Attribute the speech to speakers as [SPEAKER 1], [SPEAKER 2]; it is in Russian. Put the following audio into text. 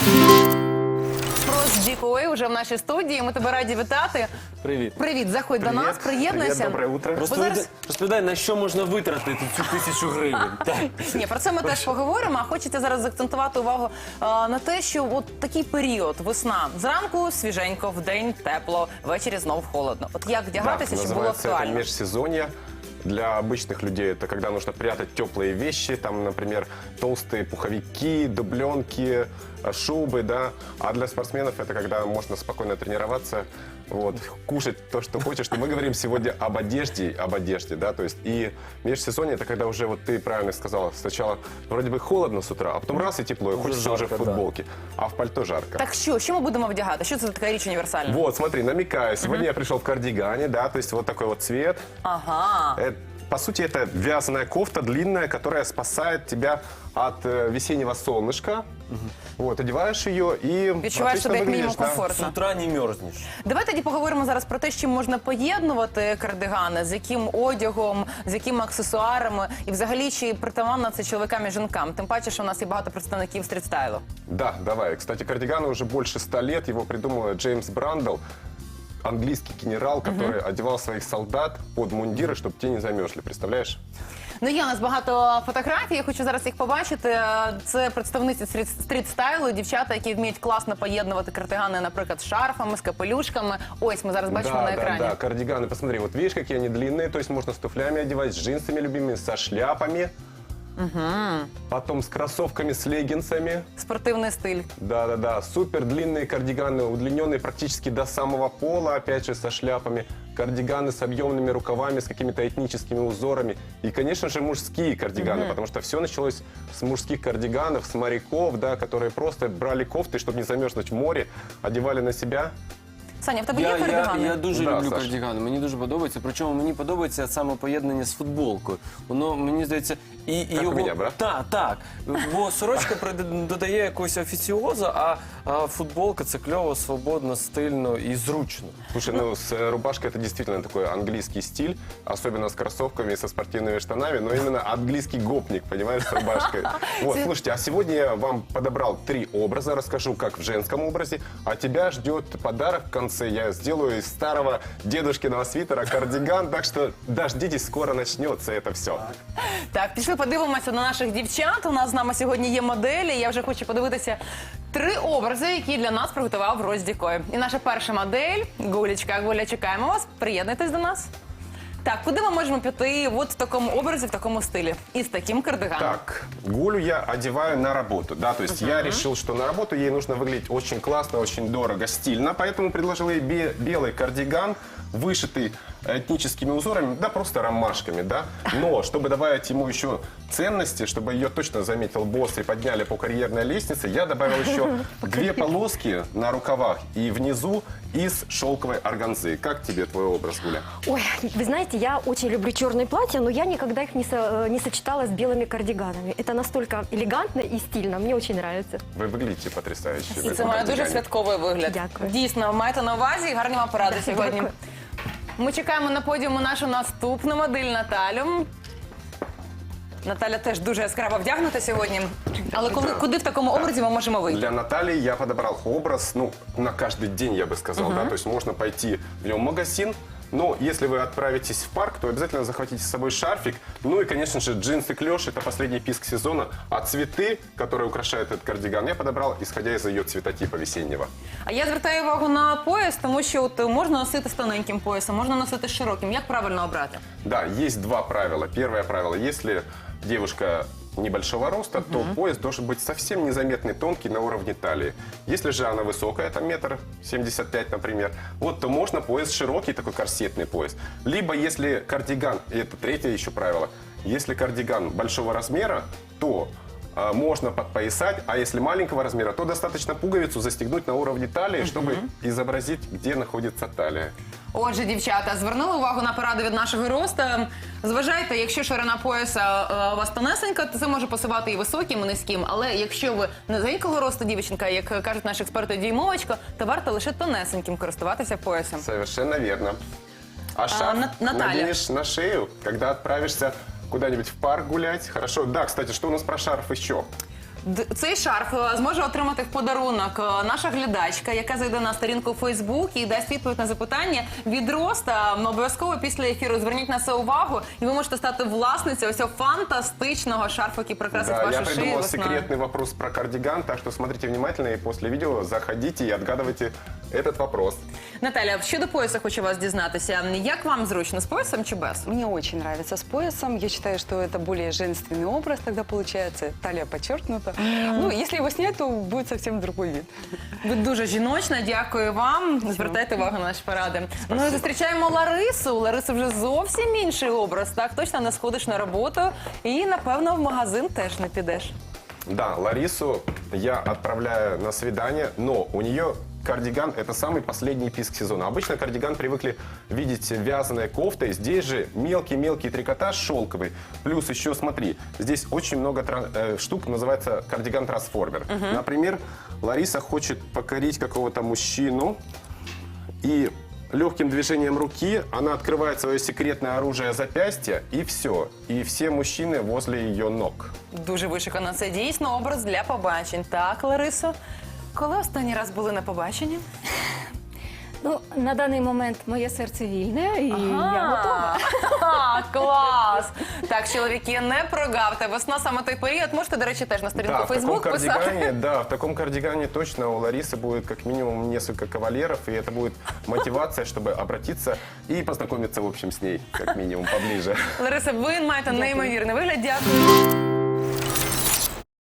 [SPEAKER 1] Дікой уже в нашій студії. Ми тебе раді вітати.
[SPEAKER 2] Привіт.
[SPEAKER 1] Привіт, заходь до нас, приєднуйся.
[SPEAKER 3] Привет, доброе утро.
[SPEAKER 2] Розповідай, на що можна витратити цю 1000 гривень.
[SPEAKER 1] Ні, про це ми теж поговоримо, а хочеться зараз заакцентувати увагу на те, що от такий період, весна. Зранку свіженько, вдень тепло, ввечері знов холодно. От як вдягатися, щоб було
[SPEAKER 3] называется это
[SPEAKER 1] актуально?
[SPEAKER 3] межсезонье. Для обычных людей это когда нужно прятать теплые вещи, там, например, толстые пуховики, дубленки, шубы, да. А для спортсменов это когда можно спокойно тренироваться, вот, кушать то, что хочешь. Мы говорим сегодня об одежде, да, то есть и межсезонье это когда уже, вот ты правильно сказала, сначала вроде бы холодно с утра, а потом раз и тепло, и хочется уже в
[SPEAKER 2] жарко,
[SPEAKER 3] футболке, а в пальто жарко.
[SPEAKER 1] Так що ми будемо вдягати? Що це за така річ універсальна?
[SPEAKER 3] Вот, смотри, намекаю. Сегодня я пришел в кардигане, да, то есть вот такой вот цвет.
[SPEAKER 1] Ага.
[SPEAKER 3] По сути, это вязаная кофта длинная, которая спасает тебя от весеннего солнышка. Вот, одеваешь ее и
[SPEAKER 1] Відчуваєш себе як мінімум
[SPEAKER 2] З
[SPEAKER 1] комфортно.
[SPEAKER 2] утра не мерзнеш.
[SPEAKER 1] Давай тоді поговоримо зараз про те, з чим можна поєднувати кардигани, з яким одягом, з якими аксесуарами і взагалі чи притаманно це чоловікам і жінкам. Тим паче, що у нас є багато представників стрітстайлу.
[SPEAKER 3] Да, давай. Кстати, кардигану уже больше 100 лет. Его придумал Джеймс Брандл, английский генерал, который одевал своих солдат под мундиры, чтобы те не замерзли. Представляешь?
[SPEAKER 1] Ну, є у нас багато фотографій, я хочу зараз їх побачити. Це представниці стріт-стайлу, дівчата, які вміють класно поєднувати кардигани, наприклад, з шарфами, з капелюшками. Ось, ми зараз бачимо на екрані.
[SPEAKER 3] Да, кардиганы, посмотри, вот видишь, какие они длинные, то есть можно с туфлями одевать, с джинсами любимыми, со шляпами. Потом с кроссовками, с леггинсами.
[SPEAKER 1] Спортивний стиль.
[SPEAKER 3] Да-да-да, супер длинные кардиганы, удлиненные практически до самого пола, опять же, со шляпами. Кардиганы с объемными рукавами, с какими-то этническими узорами. И, конечно же, мужские кардиганы, потому что все началось с мужских кардиганов, с моряков, да, которые просто брали кофты, чтобы не замерзнуть в море, одевали на себя.
[SPEAKER 1] Саня, в тебе є кардигани?
[SPEAKER 2] Я дуже
[SPEAKER 3] Да,
[SPEAKER 2] люблю
[SPEAKER 3] Саш.
[SPEAKER 2] кардигани, мені дуже подобається. Причому мені подобається саме поєднання з футболкою. Воно, мені здається,
[SPEAKER 3] Як у мене, брат?
[SPEAKER 2] Так. Бо сорочка додає якогось офіціоза, а футболка це кльово, свободно, стильно і зручно.
[SPEAKER 3] Слушай, ну с рубашкой это действительно такой английский стиль, особенно с кроссовками и со спортивными штанами, но именно английский гопник, понимаешь, с рубашкой. Вот, слушайте, а сегодня я вам подобрал 3 образа, расскажу, как в женском образе, а тебя ждет подарок в конце. Я сделаю из старого дедушкиного свитера кардиган, так что дождитесь, скоро начнется это все.
[SPEAKER 1] Так, пішли подивимося на наших дівчат. У нас з нами сьогодні є моделі. Я вже хочу подивитися 3 образи, які для нас приготував Роздікой. І наша перша модель – Гулечка. Гуля, чекаємо вас. Приєднуйтесь до нас. Так, куди ми можемо піти от в такому образі, в такому стилі? І з таким кардиганом.
[SPEAKER 3] Так, Гулю я одеваю на работу, да, то есть я решил, что на работу ей нужно выглядеть очень классно, очень дорого, стильно, поэтому предложил ей белый кардиган, вышитый этническими узорами, да, просто ромашками, да, но чтобы добавить ему еще ценности, чтобы ее точно заметил босс и подняли по карьерной лестнице, я добавил еще 2 полоски на рукавах и внизу из шелковой органзы. Как тебе твой образ, Гуля?
[SPEAKER 4] Ой, вы знаете, я очень люблю черные платья, но я никогда их не сочетала с белыми кардиганами. Это настолько элегантно и стильно, мне очень нравится.
[SPEAKER 3] Вы выглядите потрясающе. в
[SPEAKER 1] І
[SPEAKER 3] этом
[SPEAKER 1] це має дуже
[SPEAKER 3] кардигане.
[SPEAKER 1] святковий вигляд.
[SPEAKER 4] Дякую.
[SPEAKER 1] Дійсно, маєте на увазі і гарні вам поради сьогодні.
[SPEAKER 4] Дякую.
[SPEAKER 1] Ми чекаємо на подіуму нашу наступну модель Наталю. Наталя теж дуже яскраво вдягнута сьогодні. Але куди в такому образі ми можемо вийти?
[SPEAKER 3] Для Натальи я подобрал образ, ну, на каждый день, я бы сказал, да, то есть можно пойти в нем в магазин, но если вы отправитесь в парк, то обязательно захватите с собой шарфик, ну и, конечно же, джинсы клеш, это последний писк сезона, а цветы, которые украшают этот кардиган, я подобрал, исходя из ее цветотипа весеннего.
[SPEAKER 1] А я звертаю увагу на пояс, тому що от можна носити з тоненьким поясом, можна носити з широким. Як правильно обрати?
[SPEAKER 3] Да, есть 2 правила. Первое правило, если девушка небольшого роста, то пояс должен быть совсем незаметный, тонкий, на уровне талии. Если же она высокая, там 1,75 м, например, вот, то можно пояс широкий, такой корсетный пояс. Либо если кардиган, и это 3-е еще правило, если кардиган большого размера, то можно подпоясать, а если маленького размера, то достаточно пуговицу застегнуть на уровне талии, чтобы изобразить, где находится талия.
[SPEAKER 1] Отже, дівчата, звернули увагу на поради від нашого роста. Зважайте, якщо ширина пояса у вас тонесенька, то це може пасувати і високим, і низьким. Але якщо ви низенького росту дівчинка, як кажуть наші експерти, дюймовочка, то варто лише тонесеньким користуватися поясом.
[SPEAKER 3] Совершенно верно. А шарф
[SPEAKER 1] Наталья.
[SPEAKER 3] наденешь на шею, когда отправишься куда-нибудь в парк гулять. Хорошо. Да, кстати, что у нас про шарф еще?
[SPEAKER 1] Цей шарф зможе отримати в подарунок наша глядачка, яка зайде на сторінку у Фейсбук і дасть відповідь на запитання від Роста. Обов'язково після ефіру зверніть на це увагу, і ви можете стати власницею ось цього фантастичного шарфу, який прикрасить
[SPEAKER 3] Да, я
[SPEAKER 1] вашу шию
[SPEAKER 3] придумал
[SPEAKER 1] весною.
[SPEAKER 3] секретный вопрос про кардиган, так что смотрите внимательно и после видео заходите и отгадывайте этот вопрос.
[SPEAKER 1] Наталя, щодо пояса хочу вас дізнатися. Як вам зручно, з поясом чи без?
[SPEAKER 5] Мне очень нравится с поясом. Я считаю, что это более женственный образ тогда получается. Талия подчеркнута. Ну, если его снять, то будет совсем другой вид.
[SPEAKER 1] Ви дуже жіночна, дякую вам. Звертайте увагу на наші поради. Ну і зустрічаємо Ларису. У Лариси вже зовсім інший образ. Так, точно не сходиш на роботу і, напевно, в магазин теж не підеш.
[SPEAKER 3] Да, Ларису я отправляю на свидание, но у нее кардиган – это самый последний писк сезона. Обычно кардиган привыкли видеть вязаной кофтой. Здесь же мелкий-мелкий трикотаж шелковый. Плюс еще, смотри, здесь очень много штук, называется кардиган-трансформер. Например, Лариса хочет покорить какого-то мужчину, и легким движением руки она открывает свое секретное оружие запястья, и все. И все мужчины возле ее ног.
[SPEAKER 1] Дуже вишикано. Це дійсно образ для побачень. Так, Ларисо? Коли останній раз були на побаченні?
[SPEAKER 6] Ну, на даний момент моє серце вільне, і я готова.
[SPEAKER 1] Ага, клас! Так, чоловіки, не прогавте. Весна саме той період. Можете, до речі, теж на сторінку
[SPEAKER 3] Да,
[SPEAKER 1] Фейсбук писати.
[SPEAKER 3] в таком кардигане точно у Ларисы будет как минимум несколько кавалеров, и это будет мотивация, чтобы обратиться и познакомиться, в общем, с ней, как минимум, поближе.
[SPEAKER 1] Лариса, ви маєте неймовірний вигляд. Дякую.